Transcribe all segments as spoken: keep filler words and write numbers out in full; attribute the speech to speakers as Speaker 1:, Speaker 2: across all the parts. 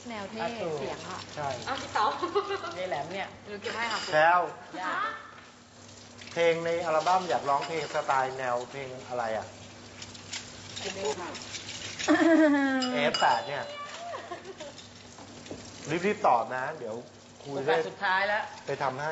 Speaker 1: แนวเท่เสียงอ่ะ
Speaker 2: ใช่
Speaker 3: อ้าวพี่เต๋าในแหลมเนี่ย
Speaker 1: หรือเก็บให้ค่ะ
Speaker 2: แล้วเพลงในอัลบั้มอยากร้องเพลงสไตล์แนวเพลงอะไรอ่ะเอฟแปดเนี่ยรีบๆตอบนะเดี๋ยวคุยได้
Speaker 3: สุดท้ายแล้ว
Speaker 2: ไปทำให้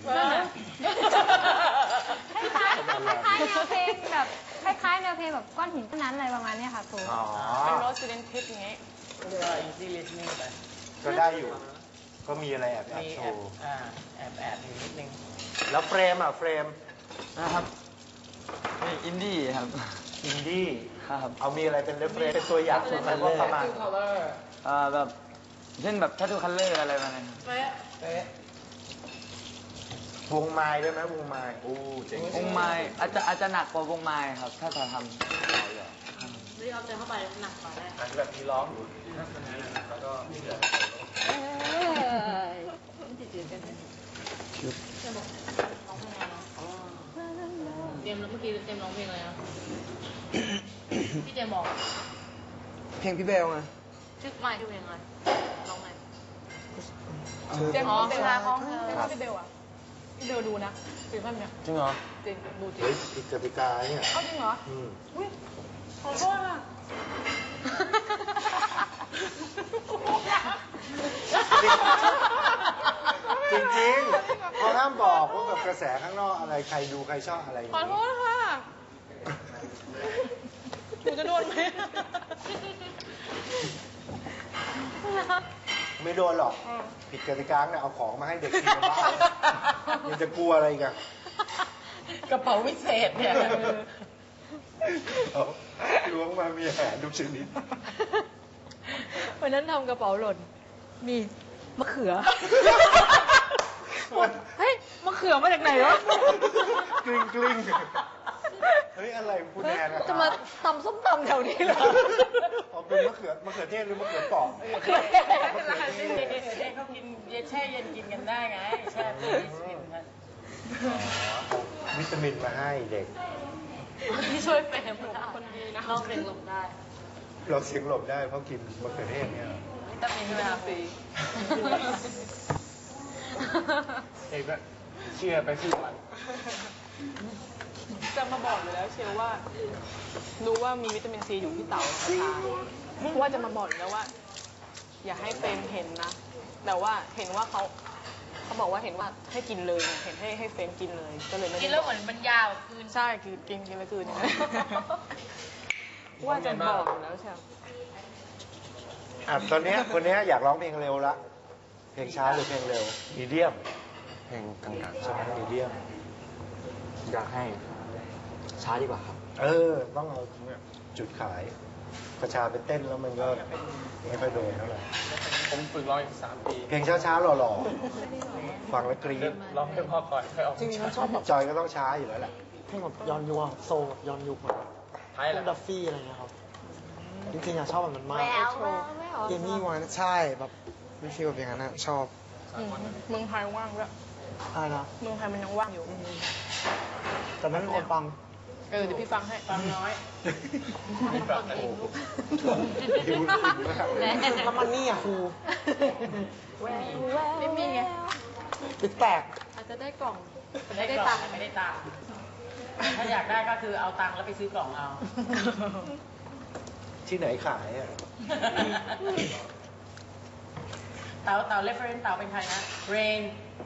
Speaker 1: คล้ายๆแนวเพลงแบบคล้ายๆแนวเพลงแบบก้อนหินต้นนั้นอะไรประมาณนี้ค่ะครู
Speaker 3: เป็นโรสซิเดนทิปอย่างงี้เรียกว่า easy listening ไป
Speaker 2: ก็ได้อยู่ก็มีอะไรแอบแอบโชว์
Speaker 3: แอบแอบอยู่นิดนึง
Speaker 2: แล้วเฟรมอ่ะเฟรม
Speaker 4: นะครับอินดี้ครับ
Speaker 2: อินดี้
Speaker 4: ครับ
Speaker 2: เอามีอะไรเป็นเรฟเฟรนซ์เป็นตัวอย่างสุดท้ายว่าประมาณ
Speaker 4: อ่าแบบเช่นแบบแททูคัลเลอร์อะไรมาเนี่
Speaker 2: ยวงไม้ด้วยไหมวงไม้โอ้เจ๋ง
Speaker 4: วงไม้อาจจะอาจจะหนักกว่าวงไม้ครับถ้าจะทำ
Speaker 3: รีบเอาใจเข้าไปหนักกว่าได้
Speaker 2: อันแบบมีร้องอยู่แล้วก็มีเหลือ
Speaker 1: เอ้ยมันจะจืดกันไหมจะบอกร้องเพลงอะไร
Speaker 3: เตรียมเมื่อกี้เตรียมร้องเพลงอะไรนะพี่เจมบอก
Speaker 4: เพลงพี่เบลไง
Speaker 3: ชื่อไม่ชื่อเพลงอะไรร้องไง
Speaker 1: เจมส์เป็นลาของเธอพี่เบลอ่ะพี่เบลดูนะจริงป่ะเนี่ย
Speaker 4: จริงเหรอ
Speaker 1: จริงดูจริง
Speaker 2: เฮ้ยผิดกติกาเนี่ย
Speaker 1: เอาจริงเหรอ
Speaker 2: อืม
Speaker 1: อุ้ยขอโทษอ่ะ
Speaker 2: จริงๆเขาห้ามบอกว่าแบบกระแสข้างนอกอะไรใครดูใครชอบอะไร
Speaker 1: ขอโทษค่ะหนูจะโดนไหม
Speaker 2: ไม่โดนหรอกผิดกติกาเนี่ยเอาของมาให้เด็กกินบ้างยังจะกลัวอะไรกัน
Speaker 3: กระเป๋าวิเศษเนี่ย
Speaker 2: ล้วงมามีอาหารทุกชนิด
Speaker 1: วันนั้นทำกระเป๋าหล่นมีมะเขือเฮ้ยมะเขือมาจากไหนวะ
Speaker 2: กลิ้งกลิ้งเฮ้ยอะไรคุณแอนนะ
Speaker 1: จะมาตำส้มตำแถวนี้เหรอ
Speaker 2: เอาเป็นมะเขือมะเขือเทศหรือมะเขือเปอก
Speaker 3: มะเขือเทศมะเขือเทศเขากินแช่เย็นกินกันได้ไงแช่ตู้เย็นกัน
Speaker 2: วิตามินมาให้เด็ก
Speaker 3: ที่ช่วยเป็นคนดีนะลองเสียงหลบได้
Speaker 2: เราเสียงหลบได้เพราะกินมะเขือเทศเนี่ย
Speaker 3: วิตามินใช่ไหมครับฟรี
Speaker 2: เอกก็เชื่อไปสิวัน
Speaker 1: จะมาบอกอยู่แล้วเชียวว่ารู้ว่ามีวิตามินซีอยู่ที่เต่าชาว่าจะมาบอกอยู่แล้วว่าอย่าให้เฟรมเห็นนะแต่ว่าเห็นว่าเขาเขาบอกว่าเห็นว่าให้กินเลยเห็นให้ให้เฟรมกินเลยก็เลยไม่ได้
Speaker 3: กินแล้วเหมือนมันยาวคืน
Speaker 1: ใช่คือกินกินแล้วคืนว่าจะบอกอยู่แล้วเชียว
Speaker 2: อ่ะตอนนี้คนนี้อยากร้องเพลงเร็วละเพลงช้าหรือเพลงเร็วมีเดียม
Speaker 4: เพลงกลางๆ
Speaker 2: ใช่มีเดียม
Speaker 4: อยากให้ช้าดีกว่าครับ
Speaker 2: เออต้องเอาจุดขายกระชาไปเต้นแล้วมันก็ไม่ค่อยโดนเท่าไหร่
Speaker 4: ผมฝึกร้องอีกสามปี
Speaker 2: เพลงช้าๆหล่อๆฟังแล้วกรี๊ด
Speaker 4: ร้องให้พ่อก่อนค่อยออก
Speaker 2: จริงๆชอบจอยก็ต้องช้าอยู่แล้วแหละ
Speaker 5: เพลงแบบย้อนยุคโซย้อนยุคเหมือนพวกดัฟฟี่อะไรเงี้ยครับจริงๆอะชอบแบบมันมากเอมี่วันใช่แบบวิฟิลแบบอย่างนั้นชอบ
Speaker 1: เมืองไทยว่างด้วย
Speaker 5: อะไรนะ
Speaker 1: เมืองไทยมันยังว่างอยู่
Speaker 5: แต่ไม่มีคนฟัง
Speaker 1: เออเดี๋ยวพี่ฟังให้
Speaker 3: ฟังน้อย
Speaker 5: แล้วมันนี่อ่ะครู
Speaker 1: ไม่มีไง
Speaker 5: ติดแตก
Speaker 1: อาจจะได้กล่อง
Speaker 3: ไม่ได้ตังค์ไม่ได้ตังค์ถ้าอยากได้ก็คือเอาตังค์แล้วไปซื้อกล่องเอา
Speaker 2: ที่ไหนขายอ่ะ
Speaker 3: เต๋าเต๋าเรฟเฟรนซ์เต๋าเป็นใครนะเรน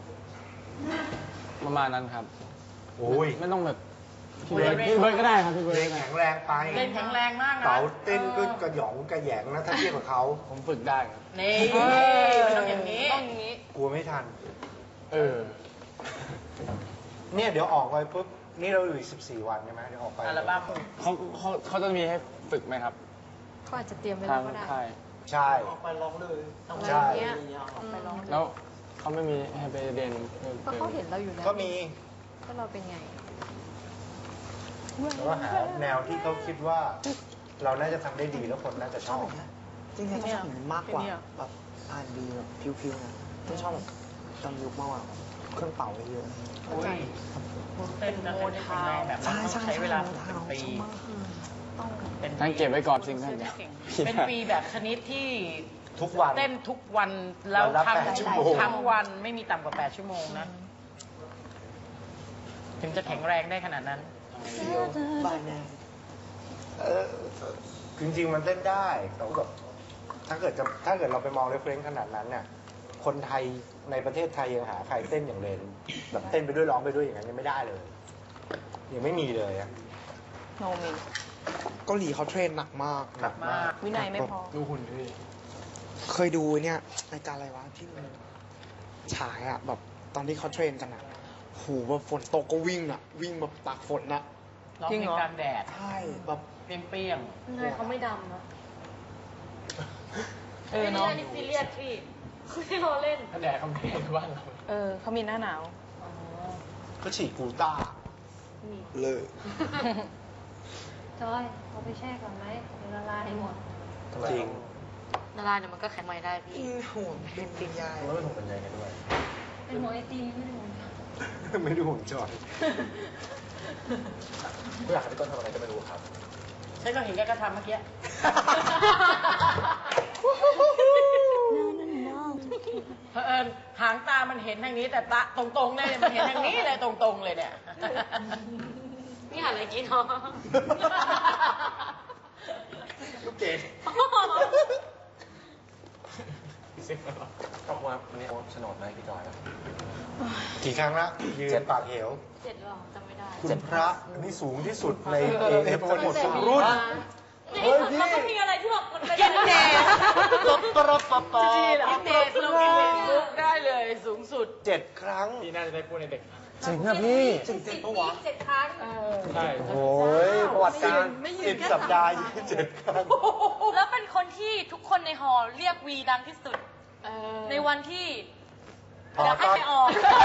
Speaker 4: ประมาณนั้นครับ
Speaker 2: โอ้ย
Speaker 4: ไม่ต้องแบบพี่เบิร์ดพี่เบิร์ดก็ได้ครับพี่เบิร์ด
Speaker 2: แข็งแรงไป
Speaker 3: เล่นแข็งแรงมากนะ
Speaker 2: เต๋าเต้นก็กระหยองกระแยงนะถ้าเทียบกับเขา
Speaker 4: ผมฝึกได้ครับ
Speaker 3: นี่ต้องอย่างนี้
Speaker 1: ต้องอย่างนี้
Speaker 2: กลัวไม่ทัน
Speaker 4: เออ
Speaker 2: เนี่ยเดี๋ยวออกไปปุ๊บนี่เราอยู่อีกสิบสี่วันใช่ไหมเดี๋ยวออกไป
Speaker 3: อัลบั้ม
Speaker 4: เขาเขาเขาจะมีให้ฝึกไหมครับ
Speaker 1: เขาอาจจะเตรียมไว้แล้วก็ได้
Speaker 2: ใช่
Speaker 5: ออกไปร้องเลย
Speaker 2: ใช่
Speaker 4: แล้วเขาไม่มีให้ไปเรียน
Speaker 1: เพราะเขาเห็นเราอยู่แล้ว
Speaker 2: ก็มี
Speaker 1: ก็เราเป็นไง
Speaker 2: แล้วหาแนวที่เขาคิดว่าเราน่าจะทำได้ดีแล้วคนน่าจะชอบ
Speaker 5: จริงๆชอบมากกว่าแบบอ่านดีแบบพิวๆนะไม่ชอบแบบจำยุคมากกว่าเครื่องเป่าเยอะ
Speaker 3: เต้นกันเป็นแรงแบบต้องใช้เวลาเป็นปี
Speaker 4: ต้องเก็บไว้ก่อนสิ่งนั้น
Speaker 3: เป็นปีแบบชนิดที่
Speaker 2: ทุกวัน
Speaker 3: เต้นทุกวันแล้ว
Speaker 2: วันละ
Speaker 3: ทั้ง
Speaker 2: แปดชั่วโมง
Speaker 3: ทั้งวันไม่มีต่ำกว่าแปดชั่วโมงนะ ถึงจะแข็งแรงได้ขนาดนั้น
Speaker 5: บายแนว
Speaker 2: เออจริงๆมันเต้นได้แต่ว่าแบบถ้าเกิดจะถ้าเกิดเราไปมองเรฟเฟรนซ์ขนาดนั้นเนี่ยคนไทยในประเทศไทยยังหาใครเต้นอย่างเลนแบบเต้นไปด้วยร้องไปด้วยอย่างนั้นยังไม่ได้เลยยังไม่มีเลยอะ
Speaker 1: โนมี
Speaker 5: เกาหลีเขาเทรนหนักมาก
Speaker 2: หนักมาก
Speaker 1: วินัยไม่พอ
Speaker 4: ดูหุ่นด้วย
Speaker 5: เคยดูเนี่ยรายการอะไรวะที่มันฉายอะแบบตอนที่เขาเทรนกันอะโหแบบฝนตกก็วิ่งอะวิ่งแบบตากฝนอะ
Speaker 3: ร้อง
Speaker 1: จริง
Speaker 3: เพล
Speaker 1: เหรง อก
Speaker 3: ลางแดด
Speaker 5: ใช่แบบ
Speaker 3: เปรี้ยง
Speaker 6: ไงเขาไม่ดำนะ
Speaker 1: เออเนาะ
Speaker 6: ไม่ใช่ซีเรียสพี่ไม่ได้ล้อเล่น
Speaker 4: แดดเขาไม่เห็นบ้านเรา
Speaker 1: เออเขามีหน้าหนาว
Speaker 2: ก็ฉีดกูต้า
Speaker 5: เลย
Speaker 6: จอยเอาไปแช่ก่อนไหมเดี๋ยวละลายให้หมด
Speaker 2: จริง
Speaker 6: ละลายเดี๋ยวมันก็แข็งใหม่ได้พี่
Speaker 5: อินห่วงเป็นปิญญา
Speaker 2: แล้วไม่ถูกบรรยายกันด้วย
Speaker 6: เป็นหัวไอติมไม่ได้หัว
Speaker 2: ไม่ดูห่วงจอย
Speaker 4: ไม่อยากให้พี่ต้นทำอะไรก็ไม่รู้ครับ
Speaker 3: ๆฉันก็เห็นแกก็ทำเมื่อกี้ เผอิญหางตามันเห็นทางนี้แต่ตาตรงๆเนี่ยมันเห็นทางนี้เลยตรงๆเลยเนี่ย
Speaker 6: นี่หาอะไรกินเนาะ
Speaker 2: ลูกเกด
Speaker 4: ซิปแล้วขอบคุณครับวันนี้โฉนดไหมพี่จอยครับ
Speaker 2: กี่ครั้งละยืนปากเหว
Speaker 6: เจ็ดหรอจำไม่ได้
Speaker 2: คุณพระนี่สูงที่สุดในเอเอฟทั้งหมดทุกรุ่น เฮ้ยพี่
Speaker 6: มันก็มีอะไรที่แบบมันเป็น
Speaker 3: กินเนส
Speaker 2: ตบตรับปะปะ
Speaker 3: กินเนสลงกินเนสลุกได้เลยสูงสุด
Speaker 2: เจ็ดครั้ง
Speaker 4: พี่น่าจะได้พูดในเด็ก
Speaker 2: จริงนะพี่
Speaker 5: จริงจริงปะวะ
Speaker 6: เจ็ดครั้ง
Speaker 4: ใช่
Speaker 2: โอ้ยประวัติการสิบสัปดาห์ยี่สิบเจ็ดครั้ง
Speaker 6: แล้วเป็นคนที่ทุกคนในหอเรียกวีดังที่สุด ในวันที่
Speaker 2: พอ
Speaker 6: อยากให้
Speaker 2: ตอน
Speaker 6: ไปออก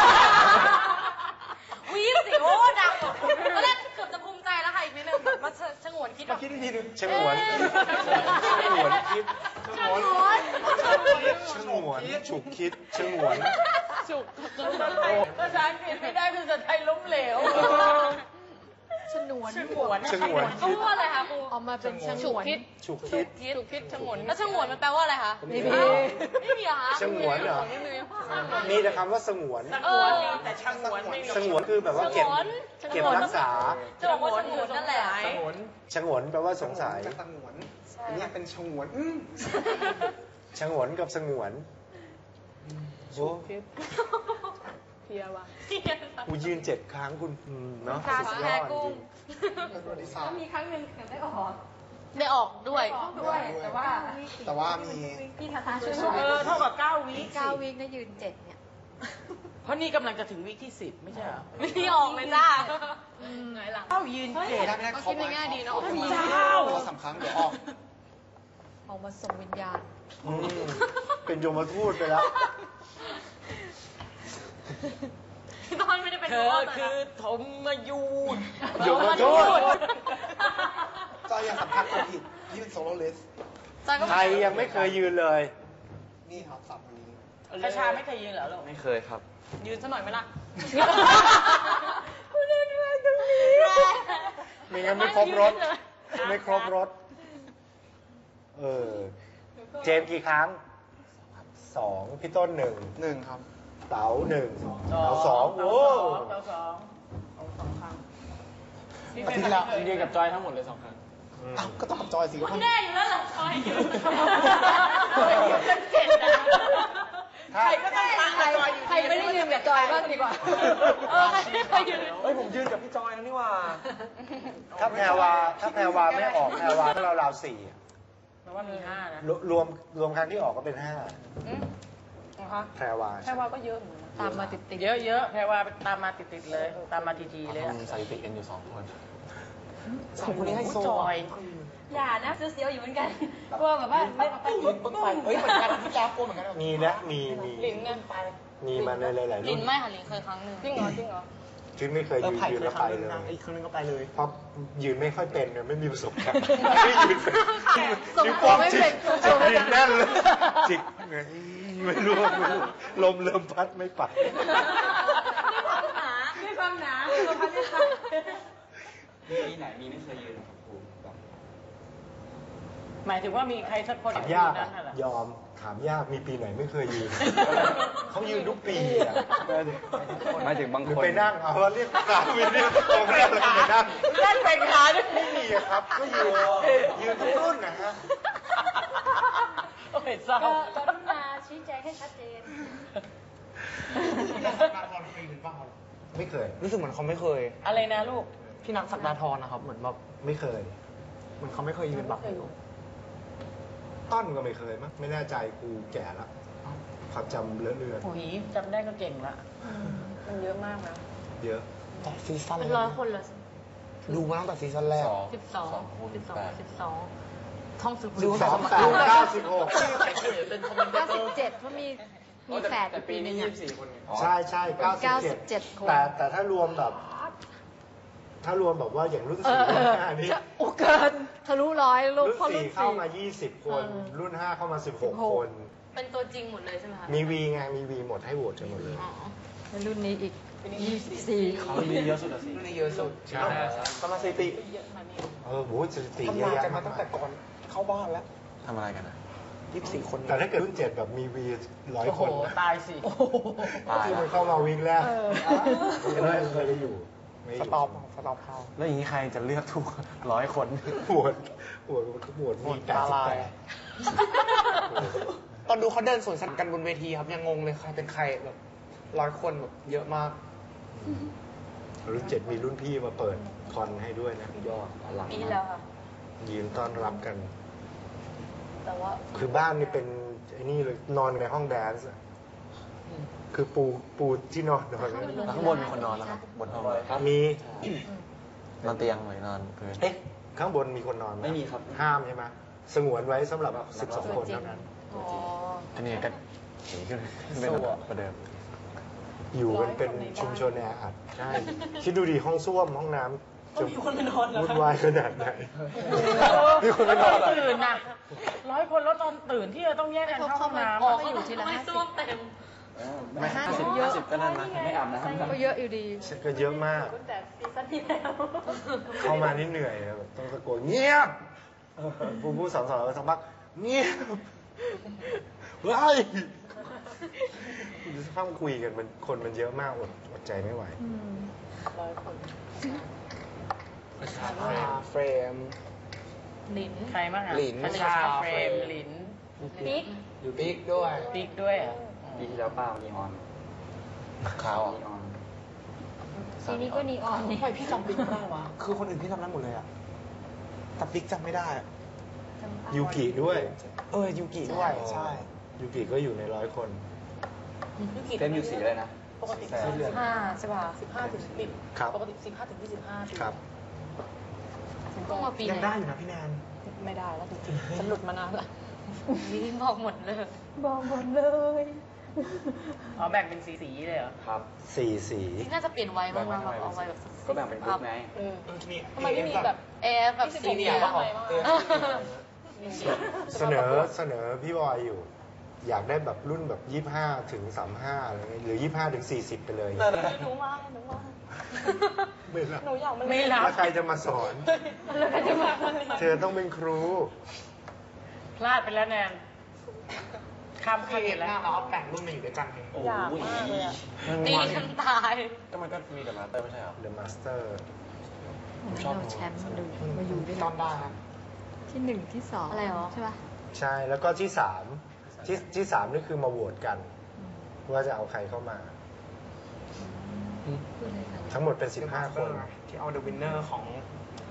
Speaker 6: วีสิโอ้ดังตอนแรกเกือบจะภูมิใจแล้วค่ะอีกนิดนึงแบบมาชงวนคิดแบบ
Speaker 2: คิดอีกทีหนึงชงวนชงวนคิด
Speaker 6: ชงวน
Speaker 2: ชงวนฉุกคิดชงวน
Speaker 1: จุก
Speaker 3: ภาษาอังกฤษไม่ได้ภาษาไทยล้มเหลว
Speaker 1: ชนวน
Speaker 3: ชงวน
Speaker 2: ชงวน
Speaker 6: เขา
Speaker 2: คิด
Speaker 6: พูดว่าอะไรคะครู
Speaker 1: ออกมาเป็นชงวน
Speaker 2: ฉุกคิด
Speaker 1: ฉุกคิดชงวน
Speaker 6: แล้วชงวนมันแปลว่าอะไรคะ
Speaker 2: ไม่มี
Speaker 6: ไม่มีเหรอคะ
Speaker 2: ชงวนเหรอ
Speaker 1: ไม่มี
Speaker 2: มีแต่คำว่าสงวน
Speaker 3: สงวนมีแต่ชงวนไม่มี
Speaker 2: สงวนคือแบบว่าเก็บเก็บรักษา
Speaker 6: จะบอกว่าชงวนนั่นแหละ
Speaker 3: สงวน
Speaker 2: ชงวนแปลว่าสงสัย
Speaker 5: จะสงวนอันนี้เป็นชงวนอืม
Speaker 2: ชงวนกับสงวนโอ้
Speaker 1: เพียว่ะ
Speaker 2: กูยืนเจ็ดครั้งคุณอืมเนาะ
Speaker 6: การ
Speaker 2: สุดย
Speaker 6: แพ้
Speaker 2: อดจ
Speaker 6: กุ้ง
Speaker 2: ริง
Speaker 5: เป็นประวัติศาสตร์
Speaker 6: มีครั้งหนึ่งได้ออกได้ออกด้วย
Speaker 5: ด้วยแต่ว่าแต่ว่ามี
Speaker 6: พี่ทาทาช่วย
Speaker 3: เออเท่ากับเก้าวิ
Speaker 6: เก้าวิได้ยืนเจ็ดเนี่ย
Speaker 3: เพราะนี่กำลังจะถึงวิที่สิบไม่ใช่เหรอ
Speaker 6: ไม่ได้ออกเลยจ้าไงล่ะ
Speaker 3: เก้ายืนเจ็ด
Speaker 5: ได้ไม่ได้ครบ
Speaker 6: คิดง่ายๆดีเนอะ
Speaker 5: ครบ
Speaker 3: เจ้า
Speaker 5: ตัวสามครั้งเดี๋ยวออก
Speaker 6: ออกมาส่งวิญญาณ
Speaker 2: อืมเป็นโยมทูตไปแล้ว
Speaker 6: พี่ต้นไม่ได้เป็น
Speaker 3: เธอคือธมมายูน
Speaker 2: โยมทูต
Speaker 5: จอยอย่าสัมผัสคนผิดยืนโซโล่เลส
Speaker 2: ใครยังไม่เคยยืนเลย
Speaker 5: นี่ครับสับวันนี้
Speaker 3: คาชาไม่เคยยืนเหรอลูก
Speaker 4: ไม่เคยครับ
Speaker 1: ยืนซะหน่อยไหมล่ะ
Speaker 2: มีงั้นไม่ครบรถ ไม่ครบรถ เออ เจมส์กี่ครั้ง สอง พี่ต้นหนึ่ง
Speaker 5: หนึ่งครับ
Speaker 2: เต๋าหนึ่งเต๋าสอง
Speaker 3: เต๋า
Speaker 2: โอ้
Speaker 3: สองเต๋าสองเอาสองครั้ง
Speaker 5: อาทิตย์ละ
Speaker 4: ยืนกับจอยทั้งหมดเลยสองครั้ง
Speaker 5: อ้าวก็ต้องกับจอยสิ
Speaker 6: มันแน่อยู่แล้วเหรอคอยอยู่
Speaker 3: เจ็ดนะใครก็ต้องฟังกับจอยอยู่
Speaker 1: ใครไม่ได้ยืนกับจอยบ้างดีกว่า
Speaker 6: เออใครไม่เคยยืน
Speaker 4: เฮ้ยผมยืนกับพี่จอยแล้วนี่ว่า
Speaker 2: ถ้าแพรวา ถ้าแพรวาไม่ออกแพรวาถ้าเราราวสี่อะ
Speaker 3: แปลว่ามีห้านะ
Speaker 2: รวรวมรวมครั้งที่ออกก็เป็นห้า
Speaker 1: นะคะ
Speaker 2: แพรวา
Speaker 1: แค่ว่าก็เยอะเหมือนกันนะ
Speaker 6: ตามมาติดติด
Speaker 3: เยอะเยอะๆแพรว่าตามมาติดๆเลย ตามมาทีๆเลยอะ
Speaker 4: ทำสถิติกันอยู่สองคน
Speaker 5: สองคนนี้ให้โซ
Speaker 3: จอย
Speaker 6: อย่านะเสียวๆอยู่เหมือนกันกลัวแบบว่าไม่เอาไป
Speaker 5: ปึ้งปึ้งไปเฮ้ยเหมือนกันที่แล้วโกนเหมือนกัน
Speaker 2: มีนะ มี มี
Speaker 1: ลิ้นเนี่ย
Speaker 2: มีมาในหลายๆ
Speaker 6: ลิ
Speaker 2: รุ่
Speaker 6: น
Speaker 2: น
Speaker 6: ไม่ค่ะลินเคยครั้งหนึ่ง
Speaker 1: จริงเหรอจริงเหรอ
Speaker 2: ชื่อไม่เคย
Speaker 5: เออ
Speaker 2: ยืน
Speaker 5: ไผ่
Speaker 2: ยืน
Speaker 5: เคย
Speaker 2: แล้ว
Speaker 5: ค
Speaker 2: ไป
Speaker 5: รั้งหนึ
Speaker 2: เล
Speaker 5: งนะ
Speaker 2: ย
Speaker 5: อีกครั้งหนึงก็ไปเลย
Speaker 2: เพราะยืนไม่ค่อยเป็นเนี่ยไม่มีประสบการณ์ไม่ยืนเป็นนิ้วโป้งจิกจิกดินแน่นเลยจิกไงไม่รู้ไม่รู้ลมเริ่มพัดไม่ไป
Speaker 6: ด้วยความหนาด้วยความหนาด้วยความ
Speaker 4: มีไหนมีไม่เคยยืนกับครูแบบ
Speaker 3: หมายถึงว่ามีใครสักคน
Speaker 2: ถาม
Speaker 3: ใน
Speaker 2: ยาก
Speaker 3: นั้
Speaker 2: อะ
Speaker 3: นน่ะเหรอ
Speaker 2: ยอมถามยากมีปีไหนไม่เคยยืน เขายืนทุกปีอะ
Speaker 4: หมายถึงบาง
Speaker 2: หรือ
Speaker 4: คน
Speaker 2: ไปนั่งเอาว่าเรียกขาวินเรียกตรงนั้นเลยไปนั่ง
Speaker 3: เล่นเป็นขาด้วย
Speaker 2: ไม่มีอะครับก็ยืนยืนทุกรุ่นนะฮะ
Speaker 3: โอ้ยเศร้า
Speaker 6: กรุณาชี้แจงให้ชัดเจน
Speaker 2: ไม่เคย
Speaker 5: รู้สึกเหมือนเขาไม่เคย
Speaker 3: อะไรนะลูก
Speaker 5: พี่นักศักดาธรนะครับ เหมือนแบบ
Speaker 2: ไม่เคย
Speaker 5: เหมือนเขาไม่เคยยืนบักอยู่
Speaker 2: ต้นก็ไม่เคยมั้งไม่แน่ใจกูแก่แล้วความจำเลอะเลือน
Speaker 3: โอ้ยจำได้ก็เก่งละ
Speaker 1: มันเยอะมากนะ
Speaker 2: เยอะ
Speaker 5: แต่ซีซั่น
Speaker 6: เป็นร้อยคนเหรอ
Speaker 5: ดูมาตั้งแต่ซีซั่นแรก
Speaker 6: สิบสองสิบสองสิบสองท่องสืบ
Speaker 2: สิบสองสามเก้าสิบหก
Speaker 7: เก้าสิบเจ็ดเพราะมีมีแฝดอยู่ปีนึงอะ
Speaker 2: ใช่ใช่เก้าสิบ
Speaker 7: เก้าสิ
Speaker 2: เจ็ด
Speaker 7: บเจ็ดคน
Speaker 2: แต่แต่ถ้ารวมแบบ ถ้ารวมแบบว่าอย่างรุ่นสี่รุ่นห้านี่
Speaker 7: โอ้เกินทะลุร้อยลูก
Speaker 2: รุ่น
Speaker 7: พ่อ
Speaker 2: สี่
Speaker 7: รุ่น
Speaker 2: เข้า
Speaker 7: สี่
Speaker 2: มายี่สิบคน รุ่นห้าเข้ามาสิบหกคน
Speaker 6: เป็นตัวจริงหมดเลยใช่ไหมคะ
Speaker 2: มีวีไงมีวีหมดให้โหวตกันหมดเลย
Speaker 6: อ๋อ
Speaker 7: ในรุ่นนี้อีกยี่สิบสี่คน
Speaker 4: มีเยอะสุดอะสิ
Speaker 5: รุ่นนี้เยอะสุด
Speaker 2: ใช่
Speaker 5: ประมาณสถิติ
Speaker 2: เออโหสถิติ
Speaker 5: ทำ
Speaker 2: เยอะ
Speaker 5: งาน
Speaker 2: แยะ
Speaker 5: กันมาตั้งแต่ก่อนเข้าบ้านแล้ว
Speaker 4: ทำอะไรกันอะ
Speaker 5: ยี่สิบสี่คน
Speaker 2: แต่ถ้าเกิดรุ่นเจ็ดแบบมีวีร้อย
Speaker 3: โอ้
Speaker 2: ค
Speaker 3: โห
Speaker 2: น
Speaker 3: ตายสิ
Speaker 4: ตาย
Speaker 2: ที่
Speaker 4: แล้
Speaker 2: มั
Speaker 4: วน
Speaker 2: เข้ามาวีคแรกไม่เคยได้อยู่ไม่อ
Speaker 5: ส
Speaker 2: ยู่
Speaker 5: ต็อปสต็อปเข้า
Speaker 4: แล้วอย่างนี้ใครจะเลือกถูกร้อยคน
Speaker 2: ปวดปวดปวดมีแปดสิบแปด
Speaker 5: ตอนดูเขาเดินสวนสัตว์กันบนเวทีครับ ยังงงเลยใครเป็นใครแบบร้อยคนแบบเยอะมาก
Speaker 2: รุ่นเจ็ดมีรุ่นพี่มาเปิดคอนให้ด้วยนะยอดอลัง
Speaker 6: ปีที่แล้วค่ะ
Speaker 2: ยืนต้อนรับกัน
Speaker 6: แต่ว่า
Speaker 2: คือบ้านนี่เป็นไอ้นี่เลยนอนในห้องแดนซ์อะคือปูปูที่นอนนอน
Speaker 4: แล้วข้างบนมีคนนอนแล้วครับบนห้อง
Speaker 2: มี
Speaker 4: นอนเตียงหรือนอนพื้น
Speaker 2: เอ๊ะข้างบนมีคนนอนไห
Speaker 4: ไม่มีครับ
Speaker 2: ห้ามใช่ไหมสงวนไว้สำหรับสิบสองคนเท่านั้น
Speaker 6: อ๋อ
Speaker 4: อันนี้ก็หนีขึ้นเป็นประเดิม
Speaker 2: อยู่กันเป็นชุมชนแออัดใช่คิดดูดิห้องส้วมห้องน้ำจะวุ่นวายขนาดไหน
Speaker 4: มีคนไปนอนเหรอ
Speaker 3: ตื่นน่ะร้อยคนแล้วตอนตื่นที่จะต้องแยกกันเข้าห้องน้ำ
Speaker 7: อ๋อ
Speaker 3: อะ
Speaker 7: ก็อยู่ทีละ
Speaker 6: ไม่
Speaker 7: ห้าสิ
Speaker 6: ซ่ว
Speaker 7: บ
Speaker 6: มเต็ม
Speaker 4: ไม่ห้าสิบห้าสิบก็นั่นนะไม่อาบน้ำ
Speaker 7: ก็เยอะอยู่ดี
Speaker 2: ก็เยอะมาก
Speaker 6: แต่ซีซั่นที่แล้ว
Speaker 2: เข้ามานี่เหนื่อยอะแบบต้องตะโกนเงียบผู้ผู้สอนสอนเราสักพักเงียบเฮ้ยสักพักคุยกันมันคนมันเยอะมากอดอดใจไม่ไหว
Speaker 1: ร้อยคน
Speaker 5: เฟรม
Speaker 6: หลิน
Speaker 3: ใครบ้างอ่ะ
Speaker 5: หลิน
Speaker 3: คชาเฟรมหลิน
Speaker 6: บิ๊ก
Speaker 5: อยู่บิ๊กด้วย
Speaker 3: บิ๊กด้วยเหรอ่ะ
Speaker 4: ปีที่แล้วเปล่านีออนขาวนีออน
Speaker 7: ทีนี้ก็นีออนนี่
Speaker 1: ทำไมพี่จำบิ๊กไม่ได้วะ
Speaker 5: คือคนอื่นพี่จำได้หมดเลยอะแต่บิ๊กจำไม่ได้อะ
Speaker 2: ยูกิด้วย
Speaker 5: เออยูกิด้วย ใช่
Speaker 2: ยูกิก็อยู่ในร้อยคน
Speaker 4: เต็มอยู่สีอะไรนะ
Speaker 1: ปกติ
Speaker 4: สีเหลือง
Speaker 7: ห้าใช่ป่ะ
Speaker 1: สิบห้าถึงสิบ
Speaker 2: ครับ
Speaker 1: ปกติสิบห้าถึงยี่สิบห้าปี
Speaker 2: ครับ
Speaker 6: เพิ่งมาปี
Speaker 5: ยัง
Speaker 6: ไหน
Speaker 5: ได้อยู่นะพี่แนน
Speaker 1: ไม่ได้แล้วจริงๆฉันหลุดมานานละ
Speaker 6: บิ๊กบอกหมดเลย
Speaker 7: บอกหมดเลย
Speaker 3: อ๋อแบ่งเป็นสีสีๆเลยเหรอ
Speaker 4: ครับ
Speaker 2: สี่สี
Speaker 6: บิ๊กน่าจะเปลี่ยนไว้บ้างนะแบบเอาไว้แบบ
Speaker 4: ก็แบ่งเป็นกลุ่มไง
Speaker 1: เออ
Speaker 5: เออจะมี
Speaker 1: ทำไมไม่มีแบบ
Speaker 6: เอฟแบบสี
Speaker 1: สี
Speaker 6: เห
Speaker 1: เห
Speaker 6: ลื
Speaker 1: ลื
Speaker 6: อ
Speaker 1: อง งบ้างไหมบ้าง
Speaker 5: เออ
Speaker 2: เสนอเสนอพี่บอยอยู่ อยากได้แบบรุ่นแบบยี่ห้าถึงสามห้าอะไรเงี้ยหรือยี่ห้าถึงสี่สิบไปเลย
Speaker 1: หนูว่าหนูว่า
Speaker 2: ไม่รับ
Speaker 1: หนูอยากมัน
Speaker 3: ไม่รับ
Speaker 2: แล้วใครจะมาสอน
Speaker 1: แล้วใครจะมามันเนี่ย
Speaker 2: เธอต้องเป็นครู
Speaker 3: พลาดไปแล้วแนนข้าม
Speaker 5: พี่
Speaker 3: ขั้น
Speaker 5: เห็
Speaker 3: อี
Speaker 5: น
Speaker 3: ก
Speaker 5: ห
Speaker 3: แล้ว
Speaker 5: น้าเราเอาแต่งรุ่นมาอยู่ด้วยกันไง
Speaker 1: อยากมากเลยอะ
Speaker 6: ตีกันตาย
Speaker 4: ก็มันก็มีแต่มาสเตอร์ไม่ใช่เหรอ
Speaker 2: The Master
Speaker 7: ไม่เอาแชมป์มาดูมาอยู่ด้วย
Speaker 5: ต
Speaker 7: กั
Speaker 5: อน นได้นะ
Speaker 7: ที่หนึ่งที่สอง
Speaker 6: อะไรหรอ
Speaker 7: ใช่ป่ะ
Speaker 2: ใช่ แล้วก็ที่สามที่ที่สามนี่คือมาโหวตกัน ว่าจะเอาใครเข้ามา ทั้งหมดเป็นสิบห้าคน
Speaker 5: ที่เอา The Winner ของ